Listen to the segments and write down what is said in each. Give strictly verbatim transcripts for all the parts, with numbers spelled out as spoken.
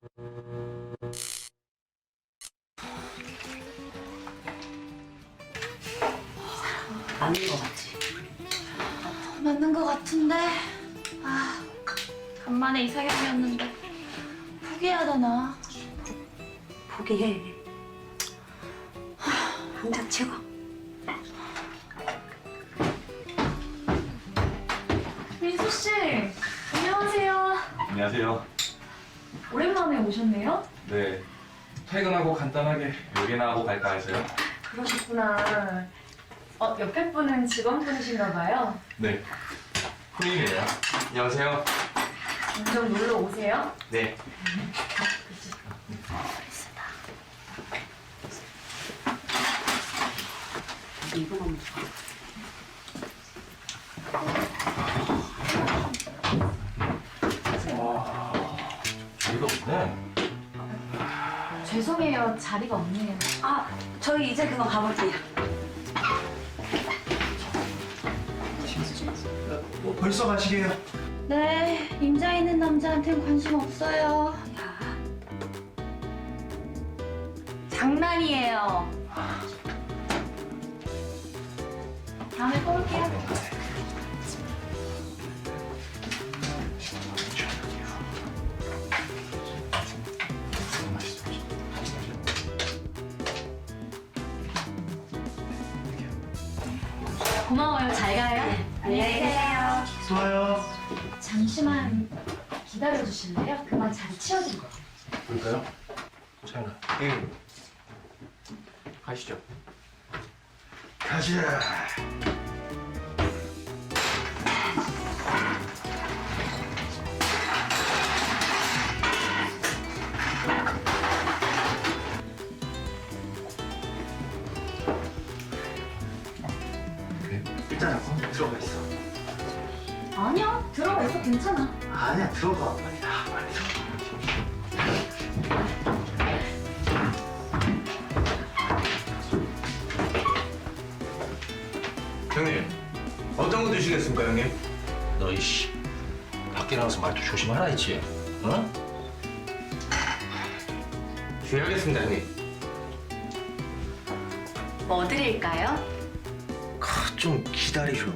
맞는 거 같지? 맞는 것 같은데. 아, 간만에 이사겸이었는데 포기해야 되나? 포기해. 한자 최고. 민수 씨, 안녕하세요. 안녕하세요. 오랜만에 오셨네요. 네. 퇴근하고 간단하게 요리나 하고 갈까 해서요. 그러셨구나. 어, 옆에 분은 직원분이신가 봐요. 네. 후임이에요. 안녕하세요. 종종 놀러 오세요. 네. 이거 너무 좋아. 이거 없네. 죄송해요, 자리가 없네요. 아, 저희 이제 그만 가볼게요. 뭐 벌써 가시게요? 네, 임자 있는 남자한텐 관심 없어요. 야, 장난이에요. 다음에 또 올게요. 고마워요. 잘 가요. 안녕히 계세요. 좋아요. 잠시만 기다려 주실래요? 그만 자리 치워드릴게요. 볼까요? 차연아. 응. 가시죠. 가자. 일단 어, 들어가 있어. 아니야, 들어가 있어. 괜찮아. 아니야, 들어가. 빨리 가, 빨리 들어가. 형님, 어떤 거 드시겠습니까, 형님? 너 이씨 밖에 나가서 말도 조심하라 했지. 어? 주의하겠습니다, 형님. 뭐 드릴까요? 아, 좀 기다리쇼.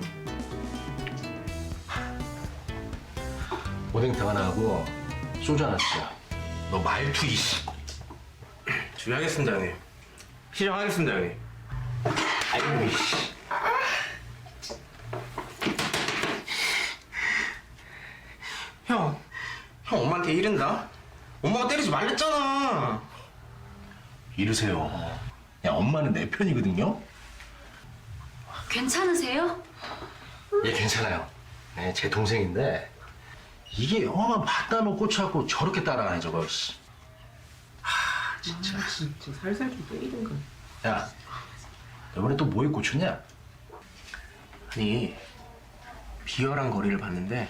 오뎅탕 하나 하고 소주 하나 주자. 너 말투 이씨. 주의하겠습니다, 형님. 시정하겠습니다, 형님. 아이고 이씨. 형, 형 엄마한테 이른다? 엄마가 때리지 말랬잖아. 이러세요. 야, 엄마는 내 편이거든요. 괜찮으세요? 예, 괜찮아요. 네, 제 동생인데 이게 영화만 봤다 놓고 꽂혀갖고 저렇게 따라하네 저거. 씨. 하, 진짜. 진짜 살살 좀 때리든가. 야, 이번에 또 뭐에 꽂혔냐? 아니, 비열한 거리를 봤는데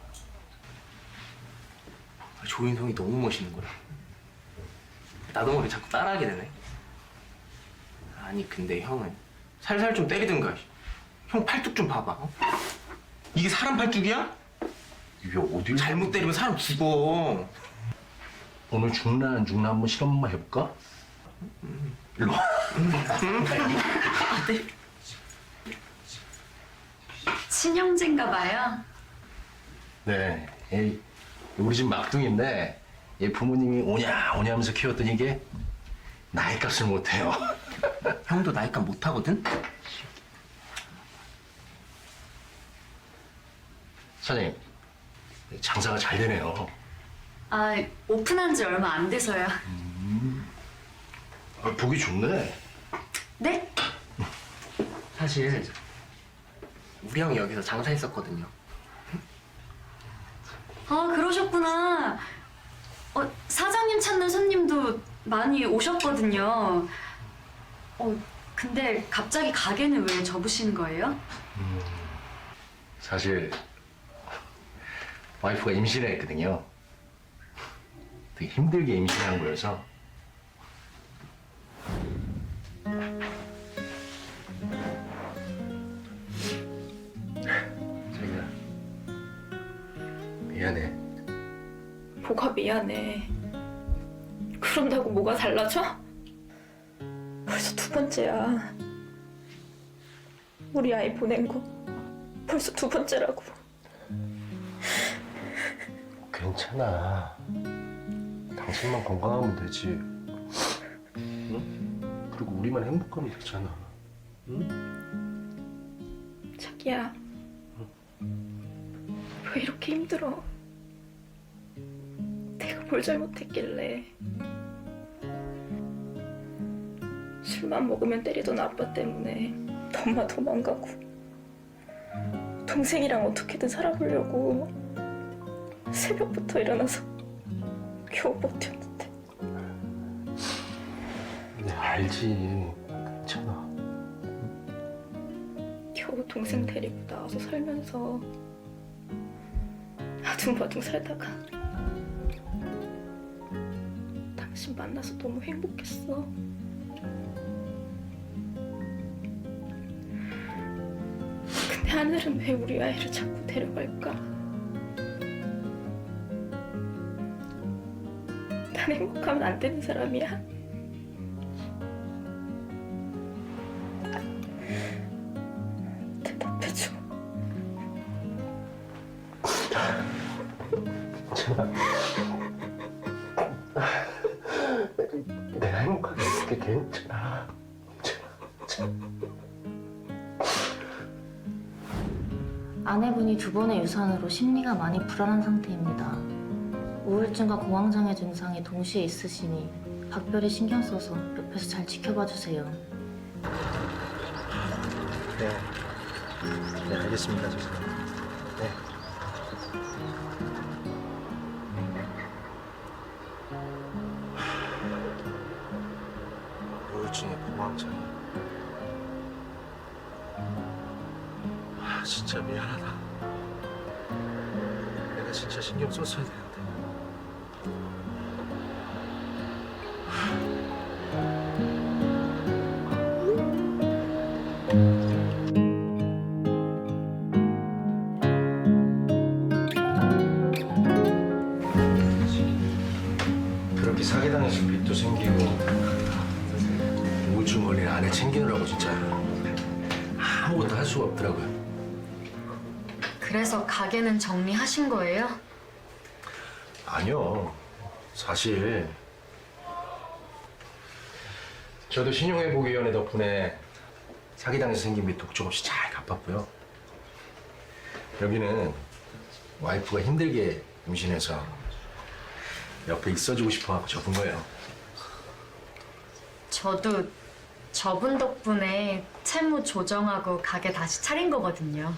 조인성이 너무 멋있는 거야. 나도 모르게 자꾸 따라하게 되네. 아니, 근데 형은 살살 좀 때리든가. 형 팔뚝 좀 봐봐. 어? 이게 사람 팔뚝이야? 이게 어딜 잘못 때리면 사람 죽어. 오늘 죽나 안 죽나 한번 실험 한번 해볼까? 일로 와. 친형제인가 봐요. 네, 이 우리 집 막둥인데 얘 부모님이 오냐 오냐 하면서 키웠더니 이게 나이 값을 못해요. 형도 나이값 못하거든? 사장님, 장사가 잘 되네요. 아, 오픈한 지 얼마 안 돼서요. 아, 보기 좋네. 네? 사실 우리 형이 여기서 장사했었거든요. 아, 그러셨구나. 어, 사장님 찾는 손님도 많이 오셨거든요. 어, 근데 갑자기 가게는 왜 접으시는 거예요? 사실 와이프가 임신을 했거든요. 되게 힘들게 임신한 거여서. 자기야, 미안해. 뭐가 미안해. 그런다고 뭐가 달라져? 벌써 두 번째야. 우리 아이 보낸 거 벌써 두 번째라고. 괜찮아. 당신만 건강하면 되지. 응? 그리고 우리만 행복하면 되잖아. 응? 자기야, 왜 이렇게 힘들어? 내가 뭘 잘못했길래. 술만 먹으면 때리던 아빠 때문에 엄마 도망가고 동생이랑 어떻게든 살아보려고 새벽부터 일어나서 겨우 버텼는데. 네, 알지. 괜찮아. 겨우 동생 데리고 나와서 살면서 아둥바둥 살다가 당신 만나서 너무 행복했어. 근데 하늘은 왜 우리 아이를 자꾸 데려갈까? 난 행복하면 안 되는 사람이야? 대답해줘. 괜찮아. 내가 행복하게 있을게. 괜찮아. 괜찮아. 아내분이 두 번의 유산으로 심리가 많이 불안한 상태입니다. 우울증과 공황장애 증상이 동시에 있으시니 각별히 신경 써서 옆에서 잘 지켜봐 주세요. 네. 네, 알겠습니다, 선생님. 네. 우울증에 공황장애. 아, 진짜 미안하다. 내가 진짜 신경 썼어야 되는데. 그렇게 사기당해서 빚도 생기고 우울증 걸린 아내 챙기느라고 진짜 아무것도 할 수가 없더라고요. 그래서 가게는 정리하신 거예요? 아니요. 사실 저도 신용회복위원회 덕분에 사기당해서 생긴 빚도 조금씩 잘 갚았고요. 여기는 와이프가 힘들게 임신해서 옆에 있어주고 싶어하고 접은 거예요. 저도 저분 덕분에 채무 조정하고 가게 다시 차린 거거든요.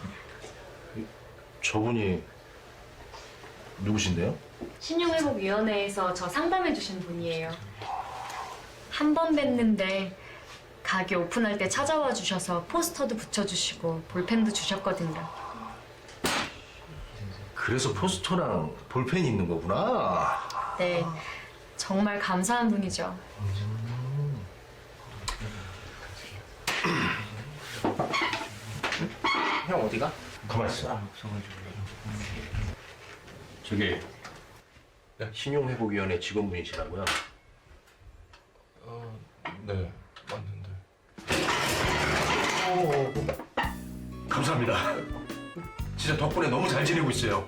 저분이 누구신데요? 신용회복위원회에서 저 상담해 주신 분이에요. 한 번 뵀는데 가게 오픈할 때 찾아와 주셔서 포스터도 붙여주시고 볼펜도 주셨거든요. 그래서 포스터랑 볼펜이 있는 거구나. 네, 정말 감사한 분이죠. 형 어디가? 가만 있어. 저기 신용회복위원회 직원분이시라고요? 어, 네, 맞는데. 감사합니다. 진짜 덕분에 너무 잘 지내고 있어요.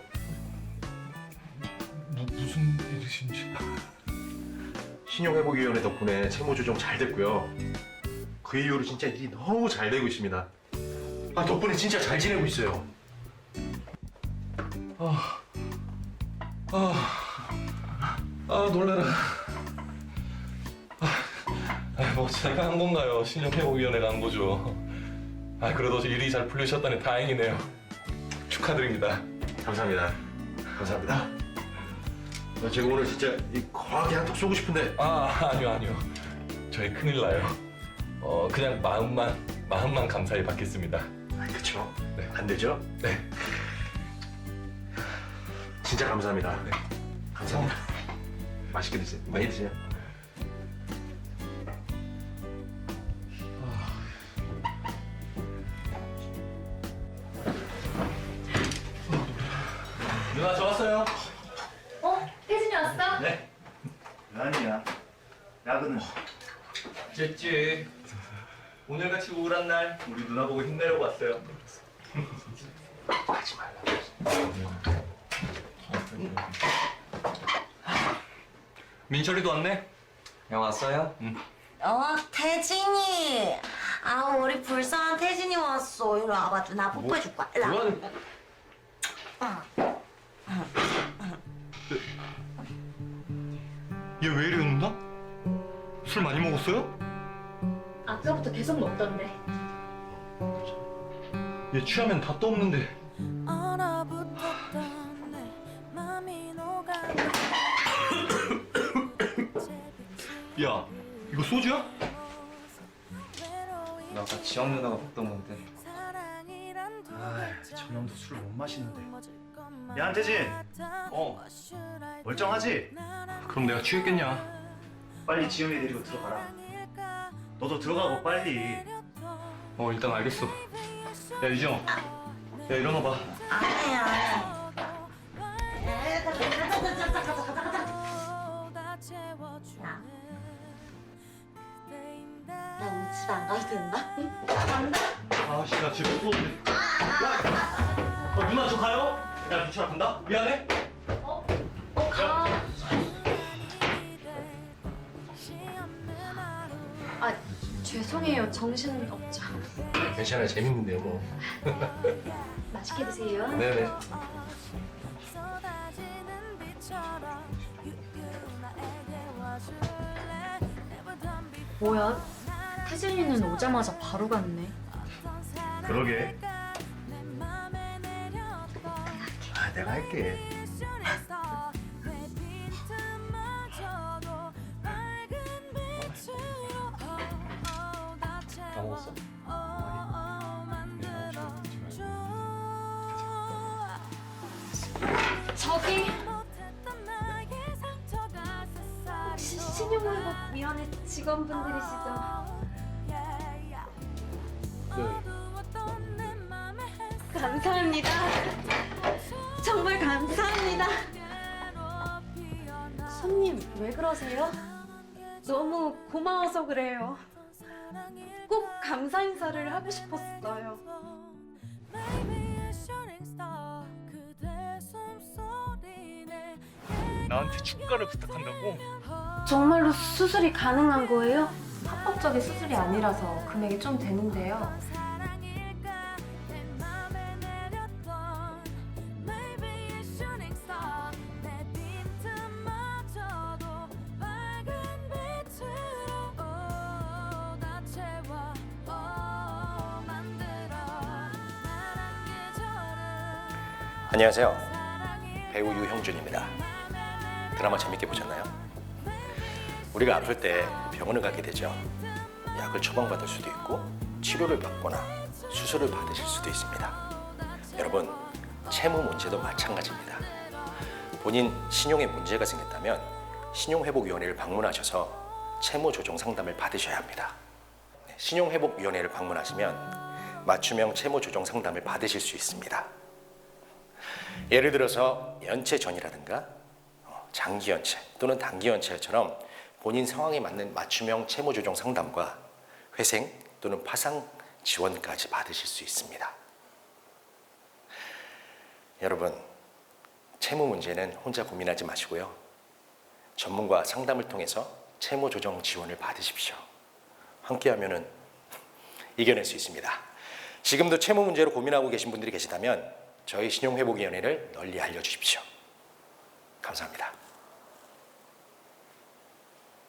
무, 무슨 일이신지. 신용회복위원회 덕분에 채무 조정 잘 됐고요. 그 이후로 진짜 일이 너무 잘 되고 있습니다. 아, 덕분에 진짜 잘 지내고 있어요. 아, 아, 놀래라. 아, 아, 뭐 제가 한 건가요? 신용회복위원회가 한 거죠. 아, 그래도 일이 잘 풀리셨다니 다행이네요. 축하드립니다. 감사합니다. 감사합니다. 나 제가 오늘 진짜 이 거하게 한턱 쏘고 싶은데. 아, 아니요, 아니요. 저희 큰일 나요. 어, 그냥 마음만, 마음만 감사히 받겠습니다. 아, 그쵸? 네. 안 되죠? 네. 진짜 감사합니다. 네. 감사합니다. 맛있게 드세요. 많이 드세요. 누나 저 왔어요. 어? 혜진이 왔어? 네. 아니야. 야근은 찌찌. 오늘같이 우울한 날 우리 누나 보고 힘내려고 왔어요. 하지 말라. 민철이도 왔네? 형 왔어요? 어, 태진이. 아, 우리 불쌍한 태진이 왔어. 이리 와봐, 나 뽀뽀해줄 거야. 일로 와. 그건 얘 왜 이래 웃나? 술 많이 먹었어요? 아까부터 계속 먹던데. 얘 취하면 다 떠없는데. 야, 이거 소주야? 나 아까 지영 누나가 먹던 건데. 아, 저놈도 술 못 마시는데. 야, 안태진. 어. 멀쩡하지? 그럼 내가 취했겠냐? 빨리 지영이 데리고 들어가라. 너도 들어가고 빨리. 어, 일단 알겠어. 야, 유정. 야, 일어나봐. 아니야, 아니야. 나 오늘 집에 안 가도 된다? 간다? 아씨, 나 집에 못 오는데. 야! 어, 누나 저 가요? 야, 미철아 간다? 미안해? 어, 가. 아, 죄송해요. 정신 없죠. 괜찮아요. 재밌는데요, 뭐. 맛있게 드세요. 네네. 뭐야? 태진이는 오자마자 바로 갔네. 그러게. 아, 내가 할게. 다 먹었어? 저기 혹시 신용회복위원회 직원분들이시죠? 감사합니다. 정말 감사합니다. 손님 왜 그러세요? 너무 고마워서 그래요. 꼭 감사 인사를 하고 싶었어요. 나한테 축가를 부탁한다고? 정말로 수술이 가능한 거예요? 합법적인 수술이 아니라서 금액이 좀 되는데요. 안녕하세요. 배우 유형준입니다. 드라마 재밌게 보셨나요? 우리가 아플 때 병원을 가게 되죠. 약을 처방받을 수도 있고 치료를 받거나 수술을 받으실 수도 있습니다. 여러분, 채무 문제도 마찬가지입니다. 본인 신용에 문제가 생겼다면 신용회복위원회를 방문하셔서 채무 조정 상담을 받으셔야 합니다. 신용회복위원회를 방문하시면 맞춤형 채무 조정 상담을 받으실 수 있습니다. 예를 들어서 연체전이라든가 장기연체 또는 단기연체처럼 본인 상황에 맞는 맞춤형 채무조정 상담과 회생 또는 파상 지원까지 받으실 수 있습니다. 여러분, 채무 문제는 혼자 고민하지 마시고요. 전문가 상담을 통해서 채무조정 지원을 받으십시오. 함께하면 이겨낼 수 있습니다. 지금도 채무 문제로 고민하고 계신 분들이 계시다면 저희 신용회복위원회를 널리 알려주십시오. 감사합니다.